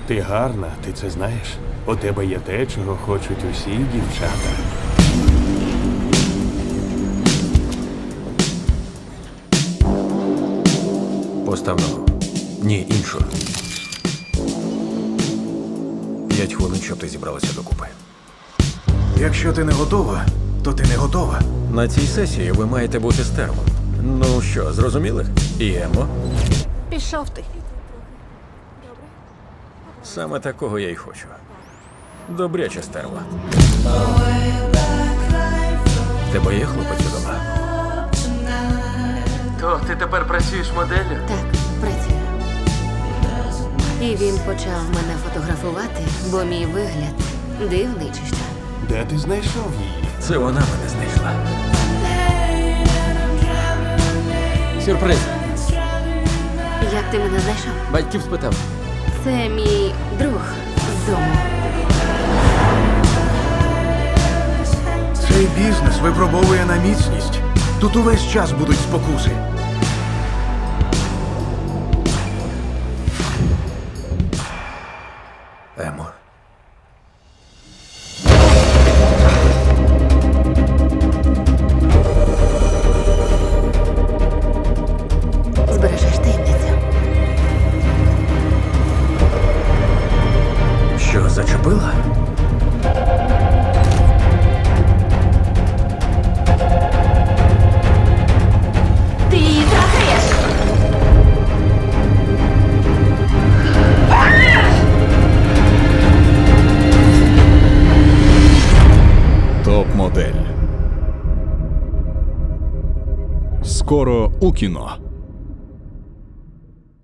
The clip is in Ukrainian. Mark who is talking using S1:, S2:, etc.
S1: Ти гарна, ти це знаєш. У тебе є те, чого хочуть усі дівчата.
S2: Постав ногу. Ні, іншу. 5 хвилин, щоб ти зібралася докупи.
S3: Якщо ти не готова, то ти не готова.
S2: На цій сесії ви маєте бути стервом. Ну що, зрозуміли? І Емо?
S4: Пішов ти.
S2: Саме такого я й хочу. Добряча стерва. Тебе є хлопець удома?
S5: То ти тепер працюєш моделлю?
S4: Так, працюю. І він почав мене фотографувати, бо мій вигляд дивний чи що.
S1: Де ти знайшов її?
S2: Це вона мене знайшла.
S5: Сюрприз.
S4: Як ти мене знайшов?
S5: Батьків спитав.
S4: Це мій друг з дому.
S3: Цей бізнес випробовує на міцність. Тут увесь час будуть спокуси.
S2: Емо.
S4: Збережеш таємницю.
S2: Що, зачепила?
S4: Ти її трахаєш!
S6: Топ-модель. Скоро у кіно.